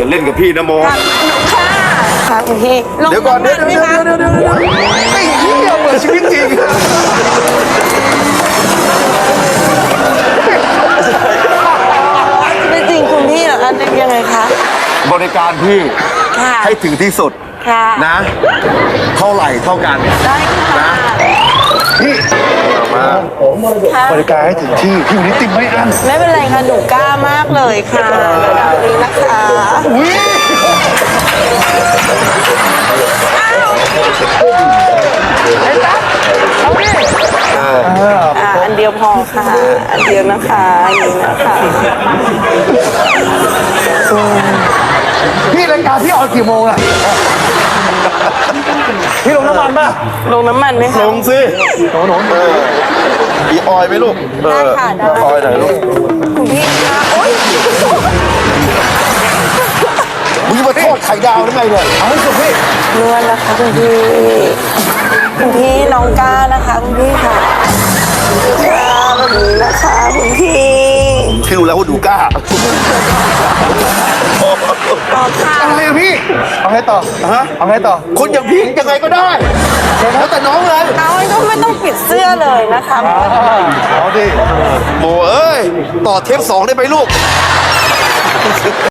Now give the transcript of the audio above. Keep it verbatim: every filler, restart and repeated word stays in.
อย่าเล่นกับพี่นะโมค่ะค่ะคุณพี่ลงเดี๋ยวก่อนเดี๋ยวำมัเดี๋ยวไหมเดี๋ยวคะเดี๋ยวเดี๋ยวไอ้เหี้ยเหมือนชีวิตจริงไม่จริงคุณพี่เหรอคะยังไงคะบริการพี่ค่ะให้ถึงที่สุดค่ะนะ เท่าไหร่เท่ากันได้ค่ะพี่มาค่ะบริการให้ถึงที่พี่วันนี้ติดไม่อั้นไม่เป็นไรค่ะหนูกล้ามากเลยค่ะระดับนี้นะคะอุ้ยอ่าอันเดียวพอค่ะ อันเดียวนะคะอย่างนี้นะคะพี่รายการพี่ออนกี่โมงอะพี่ลงน้ำมันป่ะลงน้ำมันไหมคะลงสิหนูหนูเออมีออยไหมลูกเอได้อค่ะได้ออยหน่อยลูกคุณพี่คะโอ๊ยมึงจะมาทอดไข่ดาวได้ไงเนี่ยเอาให้สุดพี่นวลนะคะคุณพี่ คุณพี่น้องก้านะคะคุณพี่ค่ะค่ะแบบนี้นะคะคุณพี่คิวแล้วดูกล้าต่อค่ะอะไรอะพี่เอาไงต่อฮะเอาไงต่อคนอย่างพี่ยังไงก็ได้แล้วแต่น้องเลยเอาก็ไม่ต้องปิดเสื้อเลยนะคะเอาดิโมเอ้ยต่อเทปสองได้ไหมลูก